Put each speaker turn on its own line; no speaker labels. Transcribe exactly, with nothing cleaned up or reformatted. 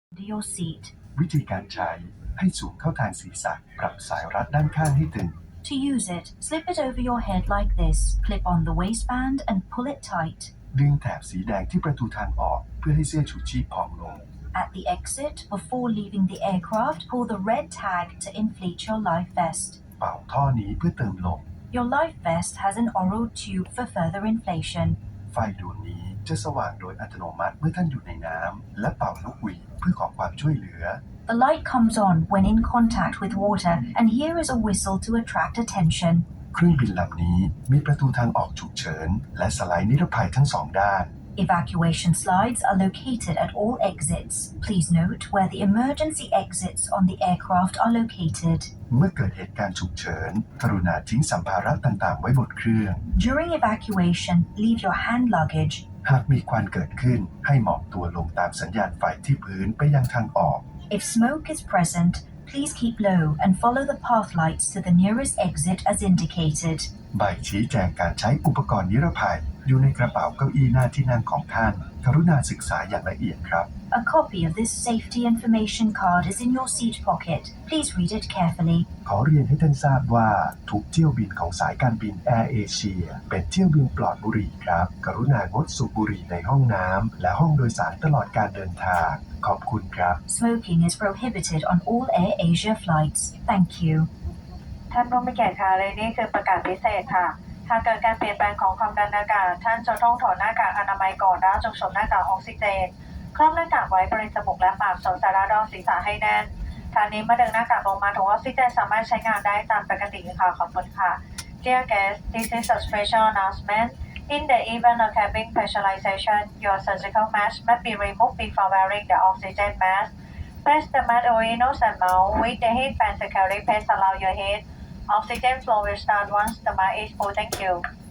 to your seat.
วิธีการใช้ให้สูงเข้าทางศีรษะปรับสายรัดด้านข้างให้ตึง
To use it, slip it over your head like this, clip on the waistband and pull it tight.
ดึงแถบสีแดงที่ประตูทางออกเพื่อให้เสื้อชูชีพพองลง
At the exit, before leaving the aircraft, pull the red tag to inflate your life vest.
เป่าท่อนี้เพื่อเติมลม
Your life vest has an oral tube for further inflation.
ไฟดวงนี้จะสว่างโดยอัตโนมัติเมื่อท่านอยู่ในน้ำและเป่านกหวีดเพื่อขอความช่วยเหลือ
The light comes on when in contact with water, and here is a whistle to attract attention.
เครื่องบินลำนี้มีประตูทางออกฉุกเฉินและสไลด์นิรภัยทั้งสองด้าน
Evacuation slides are located at all exits. Please note where the emergency exits on the aircraft are located.
เมื่อเกิดเหตุการณ์ฉุกเฉินกรุณาทิ้งสัมภาระต่างๆไว้บนเครื่อง
During evacuation, leave your hand luggage.
หากมีควันเกิดขึ้นให้หมอบตัวลงตามสัญญาณไฟที่พื้นไปยังทางออก
If smoke is present, please keep low and follow the path lights to the nearest exit as indicated.
ใบชี้แจงการใช้อุปกรณ์นิรภัยอยู่ในกระเป๋าเก้าอี้หน้าที่นั่งของท่านกรุณาศึกษาอย่างละเอียดครับ
A copy of this safety information card is in your seat pocket. Please read it carefully.
ขอเรียนให้ท่านทราบว่าทุกเที่ยวบินของสายการบินแอร์เอเชียเป็นเที่ยวบินปลอดบุหรี่ครับกรุณางดสูบบุหรี่ในห้องน้ำและห้องโดยสารตลอดการเดินทางขอบคุณครับ
Smoking is prohibited on all Air Asia flights. Thank you.
ท่านผู้มีเกียรติค่ะเลยนี่คือประกาศพิเศษค่ะหากเกิดการเปลี่ยนแปลงของความดันอากาศท่านจะต้องถอดหน้ากากอนามัยก่อนและจงสวมหน้ากากออกซิเจนครอบหน้ากากไว้บริเวณจมูกและปากสวมสายรัดรองศีรษะให้แน่นทางนี้เมื่อดึงหน้ากากลงมาถุงออกซิเจนสามารถใช้งานได้ตามปกติค่ะขอบคุณค่ะ Dear guests, this is a special announcement. In the event of cabin pressurization, your surgical mask must be removed before wearing the oxygen mask. Press the mask over your nose and mouth with the headband securely pressed around your head. Oxygen flow will start once the mask is full. Thank you.